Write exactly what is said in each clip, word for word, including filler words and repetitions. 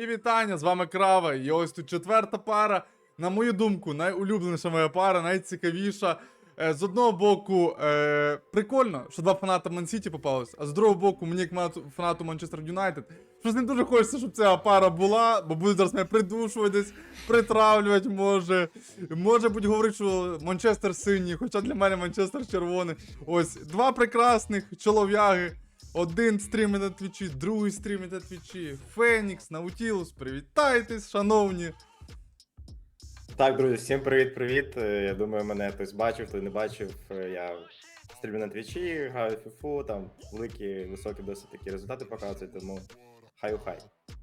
вітання, з вами Крава. І ось тут четверта пара. На мою думку, найулюбленіша моя пара, найцікавіша. Е, з одного боку, е, прикольно, що два фаната Ман-Сіті попалось, а з другого боку, мені як фанату Манчестер Юнайтед, щось не дуже хочеться, щоб ця пара була, бо буде зараз мене придушувати десь, притравлювати може. Може бути говорити, що Манчестер синій, хоча для мене Манчестер червоний. Ось, два прекрасних чолов'яги. Один стрімить на твічі, другий стрімить на твічі. Фенікс, Наутілус, привітайтесь, шановні. Так, друзі, всім привіт-привіт. Я думаю, мене хтось бачив, хто не бачив. Я стрімлю на твічі, граю в фіфу, там великі, високі досить такі результати показують, тому хай-хай.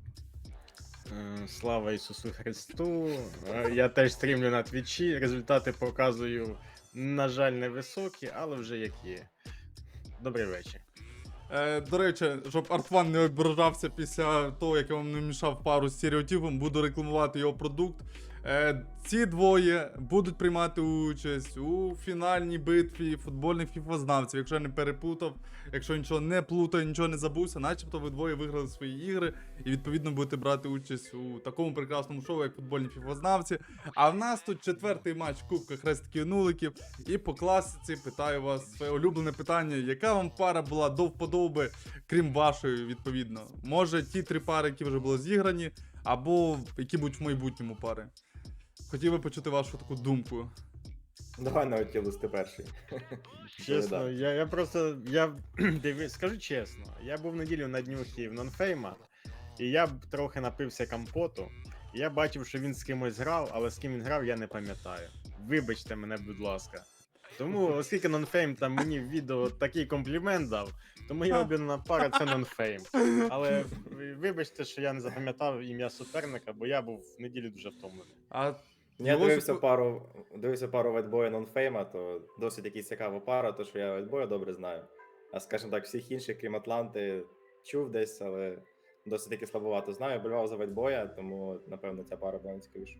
Слава Ісусу Христу. Я теж стрімлю на твічі, результати показую, на жаль, невисокі, але вже як є. Добрий вечір. Е, до речі, щоб Артван не ображався після того, як я вам не мішав пару з стереотипом, буду рекламувати його продукт. Е, ці двоє будуть приймати участь у фінальній битві футбольних фіфознавців. Якщо я не перепутав, якщо нічого не плутаю, нічого не забувся, начебто ви двоє виграли свої ігри і відповідно будете брати участь у такому прекрасному шоу, як футбольні фіфознавці. А в нас тут четвертий матч Кубка Хрестиків Нуликів. І по класиці питаю вас своє улюблене питання, яка вам пара була до вподоби, крім вашої, відповідно. Може ті три пари, які вже були зіграні, або які будуть в майбутньому пари. Хотів би почути вашу таку думку. Давай Наутілус, ти перший. Чесно, я, я просто, я диві... скажу чесно, я був неділю на днюхі в Нонфейма, і я б трохи напився компоту, і я бачив, що він з кимось грав, але з ким він грав, я не пам'ятаю. Вибачте мене, будь ласка. Тому, оскільки Нонфейм там мені в відео такий комплімент дав, то моя об'єднана пара це Нонфейм. Але вибачте, що я не запам'ятав ім'я суперника, бо я був в неділю дуже втомлений. А Я дивився пару, дивився пару Вайтбоя Нонфейма, то досить якась цікава пара, то що я Вайтбоя добре знаю. А скажімо так, всіх інших, крім Атланти, чув десь, але досить таки слабовато знаю. Болював за Вайтбоя, тому, напевно, ця пара була цікавіша.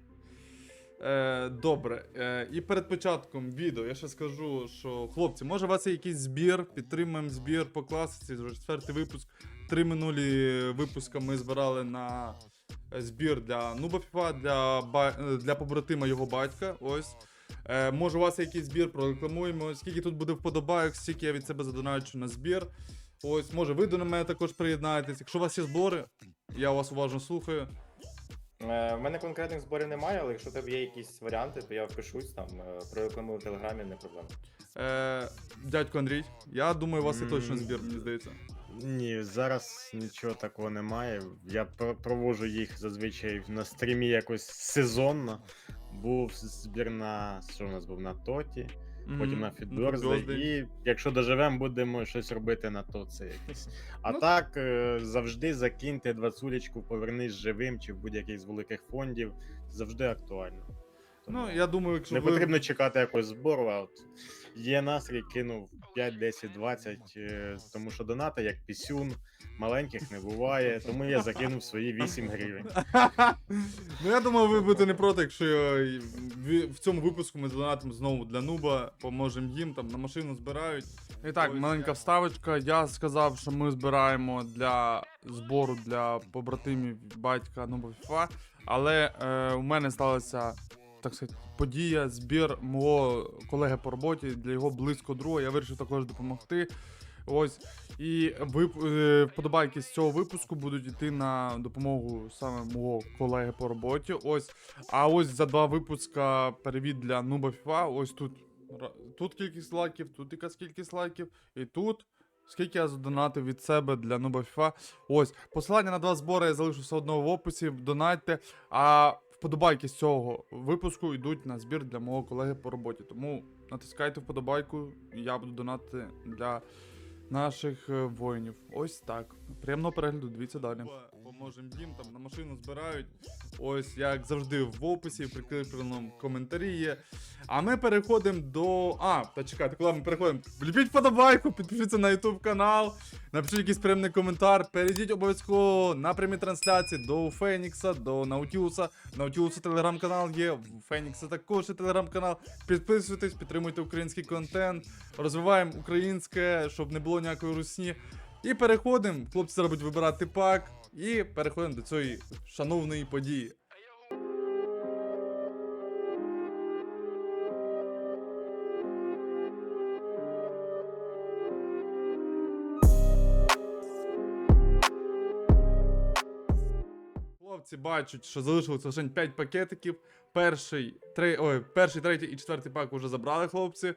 Е, добре, е, і перед початком відео я ще скажу, що хлопці, може у вас є якийсь збір, підтримуємо збір по класиці, вже четвертий випуск. Три минулі випуска ми збирали на збір для Нуба Фіфа, для, для побратима його батька. Ось. Е, може у вас є якийсь збір, прорекламуємо, скільки тут буде вподобайок, стільки я від себе задоначу на збір. Ось, може ви до мене також приєднаєтесь. Якщо у вас є збори, я вас уважно слухаю. У мене конкретних зборів немає, але якщо у тебе є якісь варіанти, то я впишусь там, прорекламую в Телеграмі, не проблема. Е, дядько Андрій, я думаю, у вас є точно збір, мені здається. Ні, зараз нічого такого немає. Я проводжу їх зазвичай на стрімі якось сезонно. Був збір на, що в нас був, на Тоті, mm-hmm. потім на Фідберзде, і якщо доживемо, будемо щось робити на Тоці якесь. А ну, так, завжди закиньте двадцулечку, повернись живим чи в будь-який з великих фондів, завжди актуально. Тому ну, я думаю, якщо не ви... потрібно чекати якогось збору, а от є настрій, кинув п'ять, десять, двадцять, тому що донати, як пісюн, маленьких не буває, тому я закинув свої вісім гривень. Ну, я думаю, ви будете не проти, якщо в цьому випуску ми задонатимо знову для Нуба, поможемо їм, там на машину збирають. І так, маленька вставочка, я сказав, що ми збираємо для збору для побратимів батька Нуба Фіфа, але е, у мене сталося, так сказати, подія, збір мого колеги по роботі для його близького друга. Я вирішив також допомогти. Ось. І вип... вподобайки з цього випуску будуть йти на допомогу саме мого колеги по роботі. Ось. А ось за два випуска перевід для Нуба Фіфа. Ось тут. Тут кількість лайків, тут якась кількість лайків. І тут. Скільки я задонатив від себе для Нуба Фіфа. Ось. Посилання на два збори я залишу все одно в описі. Донатьте. А вподобайки з цього випуску йдуть на збір для мого колеги по роботі. Тому натискайте вподобайку, і я буду донатити для наших воїнів. Ось так. Приємного перегляду, дивіться далі. Поможемо їм, там на машину збирають. Ось, як завжди, в описі, в прикріпленому коментарі є. А ми переходимо до... А, та чекайте, коли ми переходимо? Вліпіть вподобайку, підпишіться на YouTube канал, напишіть якийсь приємний коментар, перейдіть обов'язково на прямі трансляції до Фенікса, до Наутілуса. Наутілуса телеграм-канал є, у Фенікса також є телеграм-канал. Підписуйтесь, підтримуйте український контент, розвиваємо українське, щоб не було ніякої русні. І переходимо, хлопці зараз будуть вибирати пак. і переходимо до цієї шановної події. Хлопці бачать, що залишилося лише п'ять пакетиків. Перший, три, ой, перший, третій і четвертий пак вже забрали хлопці.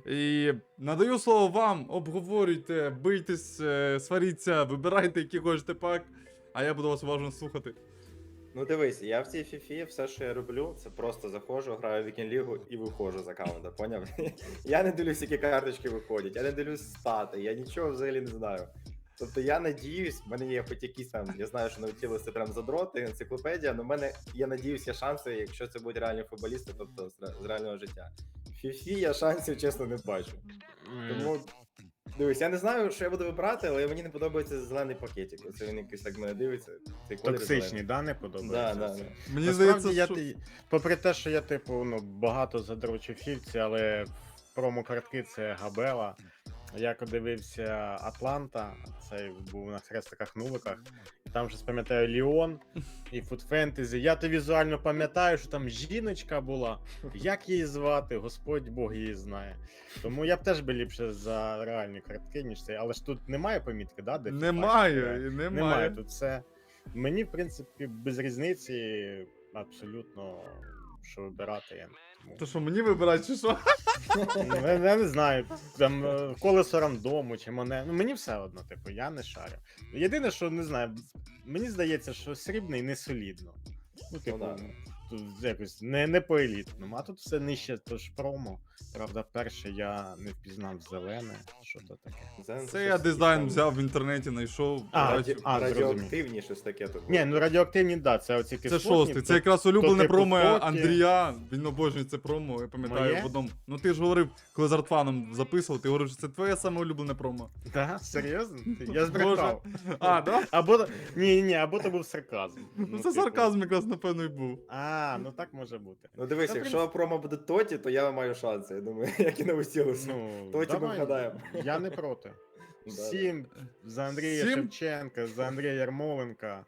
І надаю слово вам, обговорюйте, бийтесь, е, сваріться, вибирайте, який хочете пак, а я буду вас уважно слухати. Ну дивись, я в цій фіфі все, що я роблю, це просто заходжу, граю в вікінг-лігу і виходжу з аккаунта, поняв? Я не дивлюсь, які карточки виходять, я не дивлюсь стати, я нічого взагалі не знаю. Тобто я надіюсь, в мене є хоч якісь там, я знаю, що Наутілус це прям задроти, енциклопедія, але в мене, я надіюсь, є шанси, якщо це будуть реальні футболісти, тобто з ре- з реального життя. В фіфі я шансів, чесно, не бачу. Тому, дивись, я не знаю, що я буду вибирати, але мені не подобається зелений пакетик. Оце він якийсь так мене дивиться. Цей колір Токсичні, зелений. да, не Да, подобається? да, це? да. Мені Насправді, здається, я, що... ти- попри те, що я, типу, ну, багато задрочив фівці, але в промо-картки це Габела. Я коли дивився Атланта, цей був на хрестиках нуликах, і там же пам'ятаю Ліон і Food Fantasy. Я то візуально пам'ятаю, що там жіночка була. Як її звати, Господь Бог її знає. Тому я б теж би ліпше за реальні картки, ніж цей. Але ж тут немає помітки, да? Де Немає, FIFA, і немає. немає. Немає тут все. Мені, в принципі, без різниці абсолютно, що вибирати. Я, тому... То що, мені вибирати чи що? Ну, я, я не знаю, там е, колесо рандому чи мене. Ну мені все одно, типу, я не шарю. Єдине, що не знаю, мені здається, що срібний не солідно. Ну, типу, да. тут якось не, не по елітному, а тут все нижче, то ж промо. Правда, перше я не впізнав зелене, що то таке. Зелений Це щось я дизайн там взяв в інтернеті, знайшов. А, бачив. раді... а, зрозумів. радіоактивні, щось таке тут. Ні, ну радіоактивні, да, це оці Це кислотні. шостий, це то- якраз улюблене типу промо токи. Андрія. Він обожнює це промо, я пам'ятаю Моє? в одному. Ну ти ж говорив, коли з Артфаном записував, ти говорив, що це твоє саме улюблене промо. Да, серйозно? Я збрехав. А, да? Або ні, ні, або то був сарказм. Ну це типу. сарказм якраз, напевно, і був. А, ну так може бути. Ну дивись, Та, якщо промо буде Тоті, то я маю шанси, я думаю, як і на Устілусу. Ну, Тоті ми давай, вгадаємо. Я не проти. Да, Сім за Андрія Сім? Шевченка, за Андрія Ярмоленка.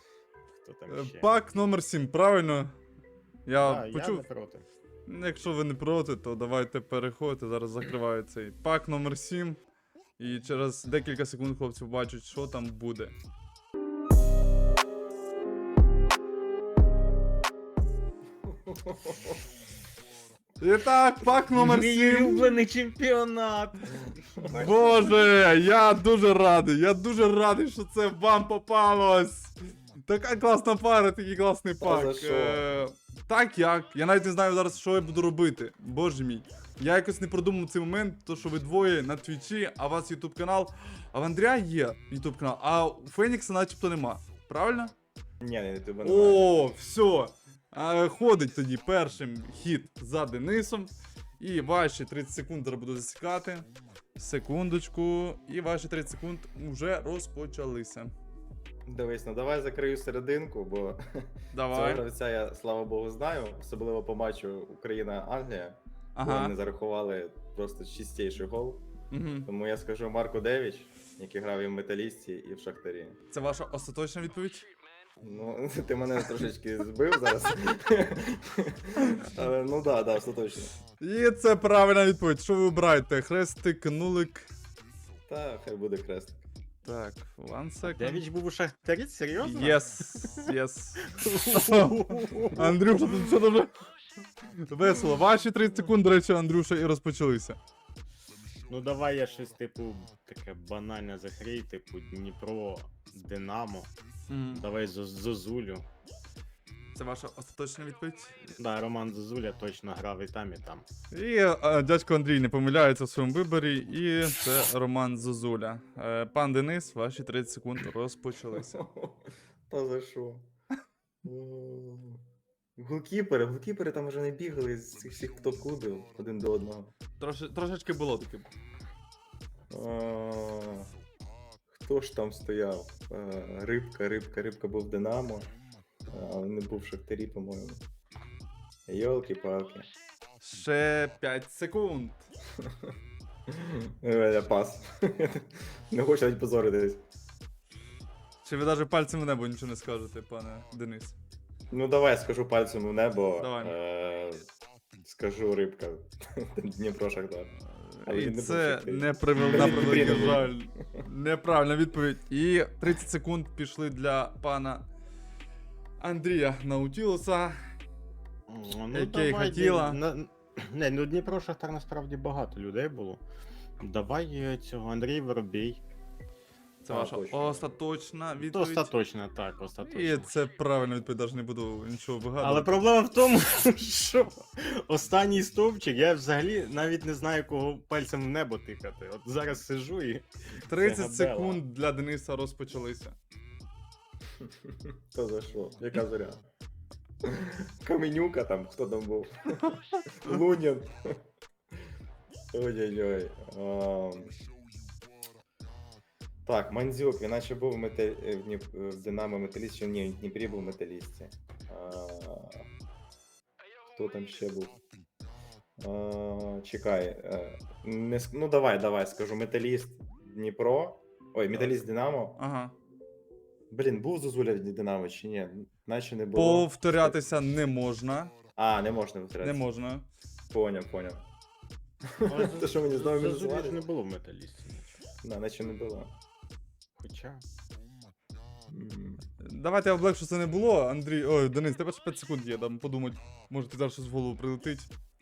Хто там Е, ще? Пак номер сім, правильно? Я Да, я почув. не проти. Якщо ви не проти, то давайте переходьте. Зараз закриваю цей пак номер сім. І через декілька секунд хлопці бачать, що там буде. І так, пак номер Мій сім. улюблений чемпіонат. Боже, я дуже радий, я дуже радий, що це вам попалось. Така класна пара, такий класний Та пак. за що? Е, так як? Я навіть не знаю зараз, що я буду робити. Боже мій. Я якось не продумав цей момент, то що ви двоє на твічі, а у вас ютуб канал. А в Андрія є ютуб канал, а у Фенікса начебто нема. Правильно? Ні, не тебе немає. О, все. А, ходить тоді першим хід за Денисом. І ваші тридцять секунд зараз буду засікати. Секундочку. І ваші тридцять секунд вже розпочалися. Дивись, ну давай закрию серединку, бо цього Давай. гравця я, слава Богу, знаю. Особливо по матчу Україна-Англія. Ага. Ага. Вони зарахували просто чистіший гол. Угу. Тому я скажу Марко Девіч, який грав і в Металісті, і в Шахтарі. Це ваша остаточна відповідь? Ну, ти мене трошечки збив зараз. Але, ну да, да, все точно. І це правильна відповідь. Що ви обираєте? Хрестик, нулик. Та, хай буде крест. Так, one second. Девіч був у Шахтарі, серйозно? Yes, yes. Андрюша, тут все дуже весело. Ваші тридцять секунд, до речі, Андрюша, і розпочалися. Ну давай я щось, типу, таке банальне закрий, типу Дніпро, Динамо. Мгм. Давай Зо- Зозулю. Це ваша остаточна відповідь? Да, Роман Зозуля точно грав і там, і там. І е, дядько Андрій не помиляється в своєму виборі, і це Роман Зозуля. Е, пан Денис, ваші тридцять секунд розпочалися. Та за що? О, Голкіпери, голкіпери там вже не бігали з цих всіх топ-клубів один до одного. Троши, трошечки було таке. А, Хто ж там стояв? А, Рибка, рибка, рибка був в Динамо, але не був в Шахтарі, по-моєму. Йолки-палки. Ще п'ять секунд. Е, Пас. Не хочу навіть позоритись. Чи ви навіть пальцем в небо нічого не скажете, пане Денис? Ну давай скажу пальцем в небо. Давай. Е- скажу рибка. Дніпро Шахтар. Але І він не був це Шахтарі. не привел на Дніпрі превеликий не був. жаль. Неправильна відповідь. І тридцять секунд пішли для пана Андрія Наутілуса. Ну, Яке давай, хотіла. на- Не, ну Дніпро Шахтар насправді багато людей було. Давай е, цього Андрій Воробій. Це А, ваша точно. остаточна То відповідь. остаточно, так, остаточно. І це правильна відповідь, навіть не буду нічого вигадувати. Але проблема в тому, що останній стовпчик, я взагалі навіть не знаю, кого пальцем в небо тикати. От зараз сижу і. тридцять це габела. секунд для Дениса розпочалися. Хто за що? Яка зоря? Каменюка там, хто там був? Лунін. Ой-ой-ой. Ам. Так, Мандзюк, він наче був в, мете... в, Дніп- в Динамо Металіст, чи ні, в Дніпрі був в Металісті. А... Хто там ще був? А... Чекай. е, Не... ск- Ну давай, давай, скажу. Металіст Дніпро. Ой, Металіст Динамо. Ага. Блін, був Зозуля в Динамо чи ні? Наче не було. Повторятися не можна. А, не можна повторятися. Не можна. Поняв, поняв. Але То що мені знову Зазулі ж мінусували? не було в металісті. Да, наче не було. Хоча. М. Давайте я облегшу, що це не було. Андрій, ой, Денис, тебе ще п'ять секунд є, дам подумати. Може ти зараз щось в голову прилетить.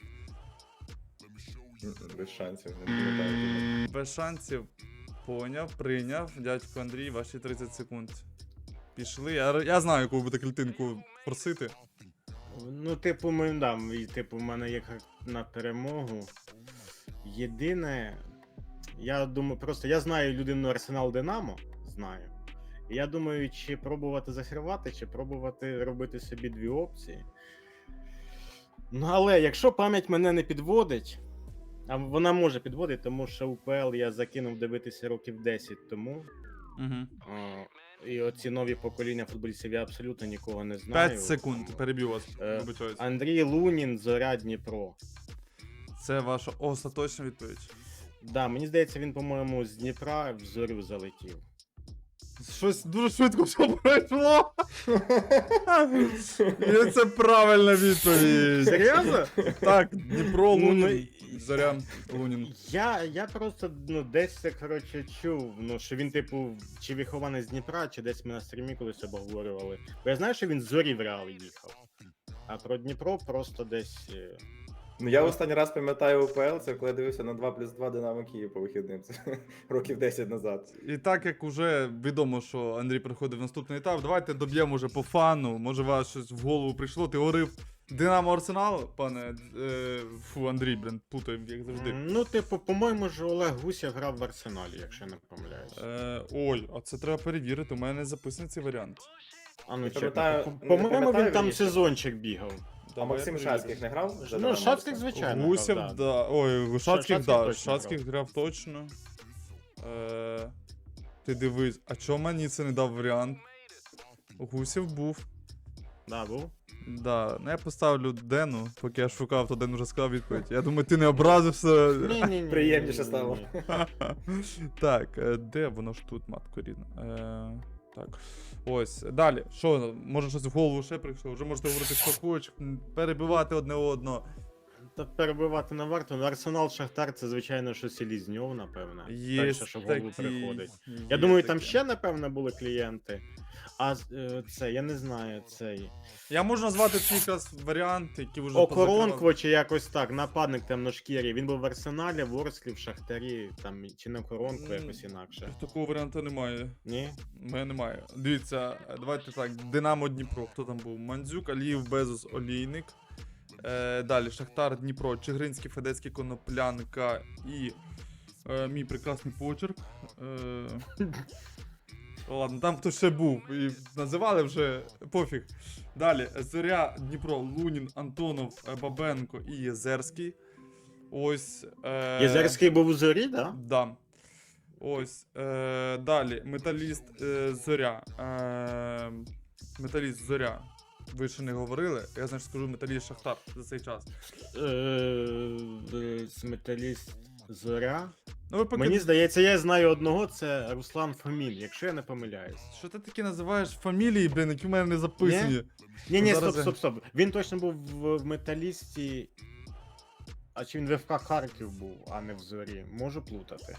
М-м, Без шансів, не пам'ятаю. Без шансів. Поняв, прийняв. Дядько Андрій, ваші тридцять секунд. Пішли. Я, я знаю, яку ви будете клітинку просити. Ну, типу, ми дам, і типу, в мене є як на перемогу. Єдине, я думаю, просто я знаю людину Арсенал Динамо, знаю. І я думаю, чи пробувати захривати, чи пробувати робити собі дві опції. Ну, але якщо пам'ять мене не підводить, а вона може підводити, тому що УПЛ я закинув дивитися років десять тому. Угу. О, і оці нові покоління футболістів я абсолютно нікого не знаю. п'ять секунд, переб'ю вас. Е, Вибачаюсь. Андрій Лунін, Зоря Дніпро. Це ваша остаточна відповідь. Да, мені здається, він, по-моєму, з Дніпра в зорю залетів. Щось дуже швидко все пройшло. І це правильна відповідь. Серйозно? Так, Дніпро, Ну, Лунін, Зоря, Лунін. Я, я просто ну, десь це, коротше, чув, ну, що він, типу, чи вихований з Дніпра, чи десь ми на стрімі колись обговорювали. Бо я знаю, що він з зорі в Реал їхав. А про Дніпро просто десь. е, Ну я останній раз пам'ятаю УПЛ, це коли я дивився на два плюс два Динамо Київ по вихідним. Це років десять назад. І так як вже відомо, що Андрій приходив в наступний етап, давайте доб'ємо вже по фану. Може, вас щось в голову прийшло. Ти говорив Динамо Арсенал, пане. Е, фу, Андрій, блін, плутаю, як завжди. м, Ну, типу, по-моєму, ж Олег Гуся грав в Арсеналі, якщо я не помиляюсь. Е, ой, а це треба перевірити. У мене записаний цей варіант. А ну, не чекай, пам'ятаю- по- не По-моєму, пам'ятаю, він там вірніше. сезончик бігав. А Давай Максим перевіримо. Шацьких не грав? за Ну, Динамо Шацьких, Арсенал? звичайно. Гусєв, грав, да. Ой, Шацьких, Шацьких да. точно Шацьких грав точно. Е, ти дивись, а чого мені це не дав варіант? Гусєв був. Да, був. Да, ну я поставлю Дену, поки я шукав, то Ден вже сказав відповідь. Я думаю, ти не образився. Ні-ні-ні. Приємніше стало. Так, е, де воно ж тут, матко рідна? Е, так. Ось, далі. Що, може щось в голову ще прийшло? Вже можете говорити, що хочеш, м, перебивати одне одного. Та перебивати не варто. Ну, Арсенал Шахтар це, звичайно, що Селізньов, напевно. Є Перше, що в голову такі- приходить. є Я думаю, там таке. ще, напевно, були клієнти. А е, це, я не знаю, цей. Я можу назвати ці якраз варіанти, які вже Окоронкво чи якось так, нападник темношкірий. Він був в Арсеналі, в Орсклі, в Шахтарі, там, чи не Окоронкво, М. якось інакше. Такого варіанту немає. Ні? У мене немає. Дивіться, давайте так. Динамо Дніпро. Хто там був? Мандзюк, Аліїв, Безус, Олійник. Е, далі Шахтар, Дніпро, Чигиринський, Федецький, Коноплянка і е, мій прекрасний почерк. Е, ладно, там хто ще був. І називали вже пофіг. Далі Зоря, Дніпро, Лунін, Антонов, е, Бабенко і Єзерський. Ось. Е, Єзерський був у зорі, да? Да. Ось. Е, далі. Металіст е, Зоря. Е, металіст Зоря. Ви ще не говорили. Я значить скажу металіст Шахтар за цей час. Е, е, Металіст Зоря. Ну ви поки... Мені здається, я знаю одного, це Руслан Фомін, якщо я не помиляюсь. Що ти такі називаєш фамілії, блін, які в мене не записані? Ні, ні, Зараз стоп, я- стоп, стоп. Він точно був в в металісті. А чи він в ФК Харків був, а не в зорі. Можу плутати.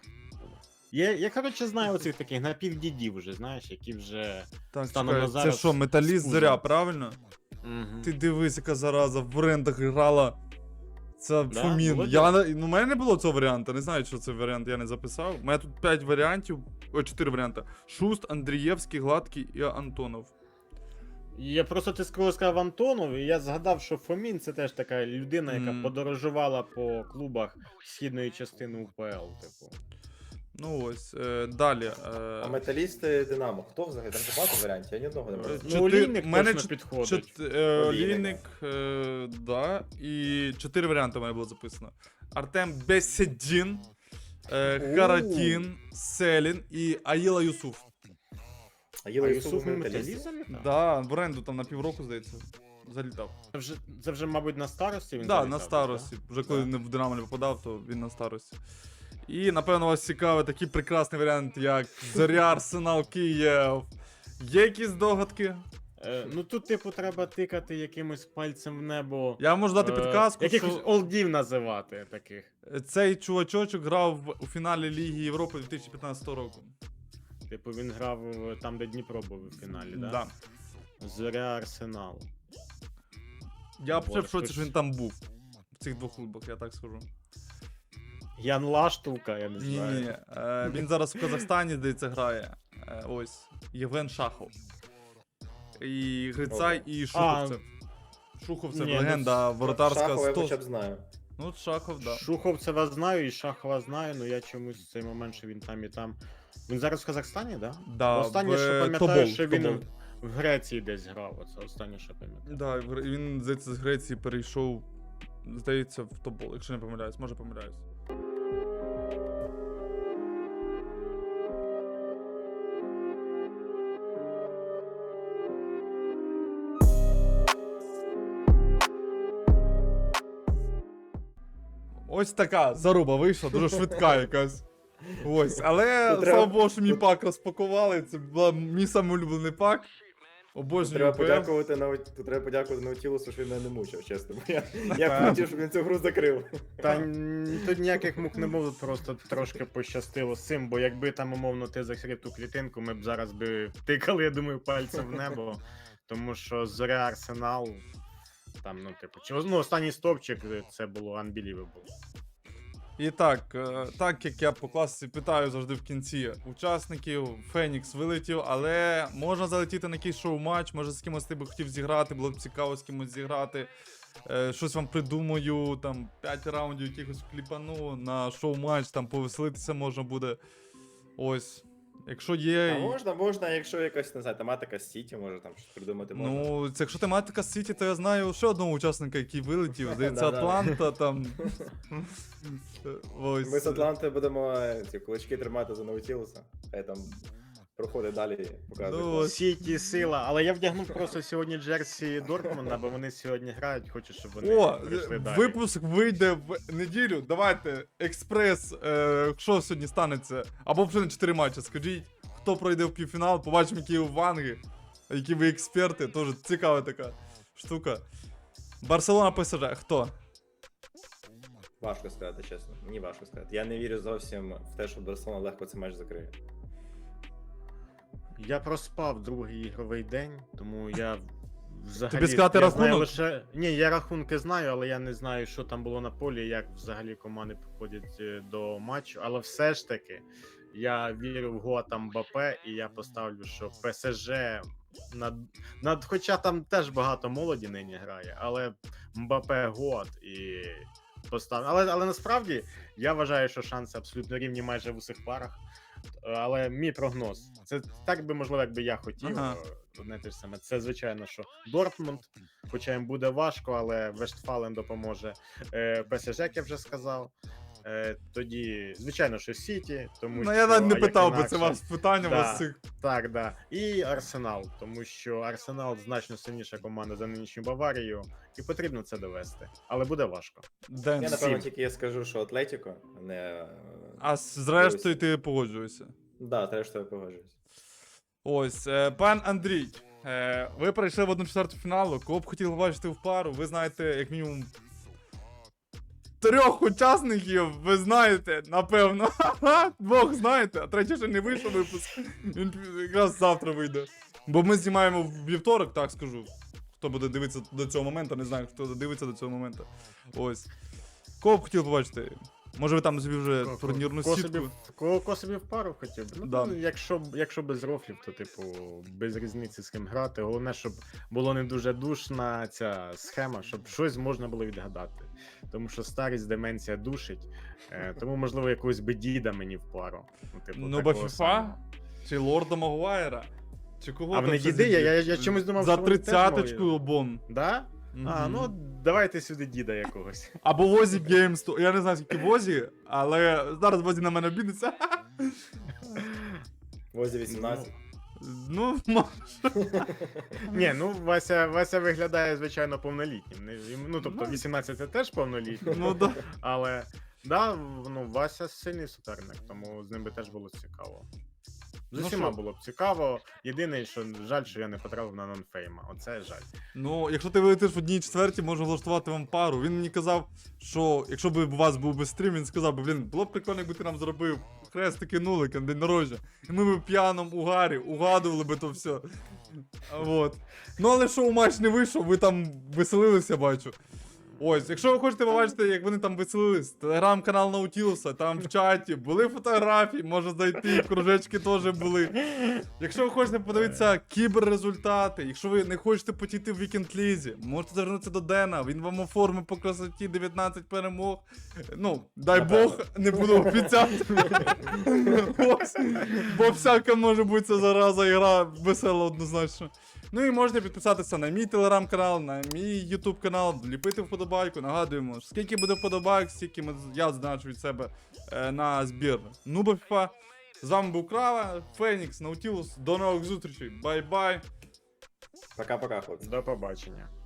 Я, я коротше, знаю оцих таких напівдідів вже, знаєш, які вже. Так, Станом чекай, на це зараз що, металіст з зоря, пузом. правильно? Угу. Ти дивись, яка зараза, в брендах грала. Це Да? Фомін. Було Я, не- ну, у мене не було цього варіанту, не знаю, що це варіант, я не записав. У мене тут п'ять варіантів, о, чотири варіанти. Шуст, Андрієвський, Гладкий і Антонов. Я просто ти коли сказав Антонов, і я згадав, що Фомін це теж така людина, яка Мгм. подорожувала по клубах східної частини УПЛ, типу. Ну ось, е, далі. А Е, металісти Динамо. Хто взагалі? Там же багато варіантів, я ні одного не Е, можу. Ну, Чотир- Олійник в мене точно чот- підходить. чот- е, Олійник. Олійник, е, да, і чотири варіанти в мене було записано. Артем Беседін, е, О. Харатін, Селін і Аїла Юсуф. А А Єла Юсуф Юсуф не металіст. металіст залітав? Да, в оренду там на півроку, здається, залітав. Це вже, це вже, мабуть, на старості він Да, залітав, на так? старості. Вже коли Да. не в Динамо не попадав, то він на старості. І, напевно, вас цікавий такий прекрасний варіант, як Зоря, Арсенал, Київ. Є якісь догадки? Е, ну тут, типу, треба тикати якимось пальцем в небо. Я можу дати е, підказку, Якихось що олдів називати таких. цей чувачочок грав в- у фіналі Ліги Європи дві тисячі п'ятнадцятого року. Типу, він грав е, там, де Дніпро був у фіналі, да? Да. Зоря Арсенал. Я б ще в Боже, шоці, хтось- що він там був. В цих двох клубах, я так скажу. Ян Лаштука, я не Ні, знаю. ні. Е, він зараз в Казахстані, здається, грає. Е, ось. Євген Шахов. І Грицай, і Шуховцев. Шуховцев, Ні, ну, легенда воротарська. Шахова я сто... хоча б знаю. Ну, от Шахов, да. Шуховцева знаю і Шахова знаю, але я чомусь в цей момент, що він там і там. Він зараз в Казахстані, да? Да, Останнє, в, що е, пам'ятаю, Тобол, що він Тобол. в Греції десь грав. Оце останнє, що пам'ятаю. Да, в Гре- він, здається, з Греції перейшов, здається, в Тобол, якщо не помиляюсь, може помиляюсь. Ось така заруба вийшла, дуже швидка якась. Ось, але Тут слава треба- Богу, що мій пак розпакували. Це був мій самий улюблений пак. Обожнюю Треба УПЛ. подякувати Нау- тут треба подякувати Наутілусу, що він мене не мучив, чесно. Бо Я, я Так. хотів, щоб він цю гру закрив. Та н- тут ніяких мук не було, просто трошки пощастило з цим, бо якби там, умовно, ти закрив ту клітинку, ми б зараз би тикали, я думаю, пальцем в небо. Тому що Зоря Арсенал, там, ну, типу, чи, ну, останній стопчик, це було unbelievable. І так, е, так як я по класиці питаю завжди в кінці учасників, Фенікс вилетів, але можна залетіти на якийсь шоу-матч, може з кимось ти би хотів зіграти, було б цікаво з кимось зіграти. Е, щось вам придумаю, там п'ять раундів якихось кліпану на шоу-матч, там повеселитися можна буде. Ось. Якщо є. А можна, можна, якщо якась, не знаю, тематика з Сіті, може там щось придумати можна. Ну, це якщо тематика Сіті, то я знаю ще одного учасника, який вилетів. Здається, Да-да. Атланта там. Ось. Ми з Атланти будемо е, ці кулачки тримати за Наутілуса. Хай там проходить далі і показує. Ну, клас. ось. Сіті сила, але я вдягнув просто сьогодні джерсі Дортмунда, бо вони сьогодні грають, хочу, щоб вони О, прийшли далі. випуск вийде в неділю. Давайте, експрес, е, що сьогодні станеться? Або вже на чотири матчі. Скажіть, хто пройде в півфінал, побачимо, які ви ванги, які ви експерти. Тоже цікава така штука. Барселона ПСЖ, хто? Важко сказати, чесно. Мені важко сказати. Я не вірю зовсім в те, що Барселона легко цей матч закриє. Я проспав другий ігровий день, тому я взагалі. Тобі сказати я знаю рахунок? лише... Ні, я рахунки знаю, але я не знаю, що там було на полі, як взагалі команди підходять е, до матчу. Але все ж таки, я вірю в Гоа Мбаппе, і я поставлю, що ПСЖ над... над... Хоча там теж багато молоді нині грає, але Мбаппе Гоат і поставлю. Але, але насправді я вважаю, що шанси абсолютно рівні майже в усіх парах. Але мій прогноз, це так би можливо, якби я хотів. Ага. е, Одне те ж саме. Це звичайно, що Дортмунд, хоча їм буде важко, але Вестфален допоможе. Е, ПСЖ, як я вже сказав. Е, тоді, звичайно, що Сіті, тому Ну що я навіть не а як питав би, інакше- це вас питання, у Да. вас цих. Та Так, да. І Арсенал, тому що Арсенал значно сильніша команда за нинішню Баварію, і потрібно це довести. Але буде важко. Ден. Я, напевно, Сім. тільки я скажу, що Атлетіко, а не... е, А з- зрештою ти погоджуєшся. Да, треба, що я погоджуюсь. Ось, е, пан Андрій, е, ви прийшли в одну четверту фіналу. Кого б хотіли бачити в пару, ви знаєте, як мінімум. Трьох учасників, ви знаєте, напевно. Двох знаєте, а третій ще не вийшов випуск. Він якраз завтра вийде. Бо ми знімаємо в вівторок, так скажу. Хто буде дивитися до цього моменту, не знаю, хто дивиться до цього моменту. Ось. Кого б хотіли побачити? Може ви там собі вже турнірну Кого собі, сітку? в- кого, кого собі в пару хотів би? Ну, Да. ну, якщо, б- якщо без рофлів, то типу без різниці з ким грати. Головне, щоб було не дуже душна ця схема, щоб щось можна було відгадати. Тому що старість, деменція душить. Е, тому, можливо, якогось би діда мені в пару. Ну, типу, Ну, такого бо FIFA? самого. Чи Лорда Магуайра? Чи кого А там вони ще діди? Я, зіб'ють? я, я чомусь думав, За що вони теж тридцяточку мої. обон. Да? А, Мгм. ну давайте сюди діда якогось. Або Возі Геймс. то- Я не знаю, скільки Возі, але зараз Возі на мене обідеться. Возі вісімнадцять. Ну, може. Ні, ну Вася, Вася виглядає, звичайно, повнолітнім. Не- йому- Ну, тобто Ну. вісімнадцять це теж повнолітній. Ну да. Але да, в- ну, Вася сильний суперник, тому з ним би теж було цікаво. З Ну усіма що? було б цікаво. Єдине, що жаль, що я не потрапив на нонфейма. Оце жаль. Ну, якщо ти вилетиш в одній четвертій, можу влаштувати вам пару. Він мені казав, що якщо б у вас був би стрім, він сказав би, блін, було б прикольно, якби ти нам зробив хрестики нулики на день народження. І ми б в п'яному угарі угадували би то все. А, Вот. Ну але шоу матч не вийшов, ви там веселилися, бачу. Ось, якщо ви хочете побачити, як вони там веселились, телеграм-канал Наутілуса, там в чаті були фотографії, може зайти, кружечки теж були. Якщо ви хочете подивитися кіберрезультати, якщо ви не хочете потіти в вікенд-лізі, можете звернутися до Дена, він вам оформить по красоті дев'ятнадцять перемог. Ну, дай Бог, не буду обіцяти. Ось, бо всяка може бути ця зараза, ігра весела однозначно. Ну і можете підписатися на мій телеграм-канал, на мій ютуб канал, ліпити вподобайку. Нагадуємо, скільки буде вподобайк, стільки ми, я значу від себе е, на збір Нуба FIFA. З вами був Крава, Фенікс, Наутілус. До нових зустрічей. Бай-бай. Пока-пока, хлопці. До побачення.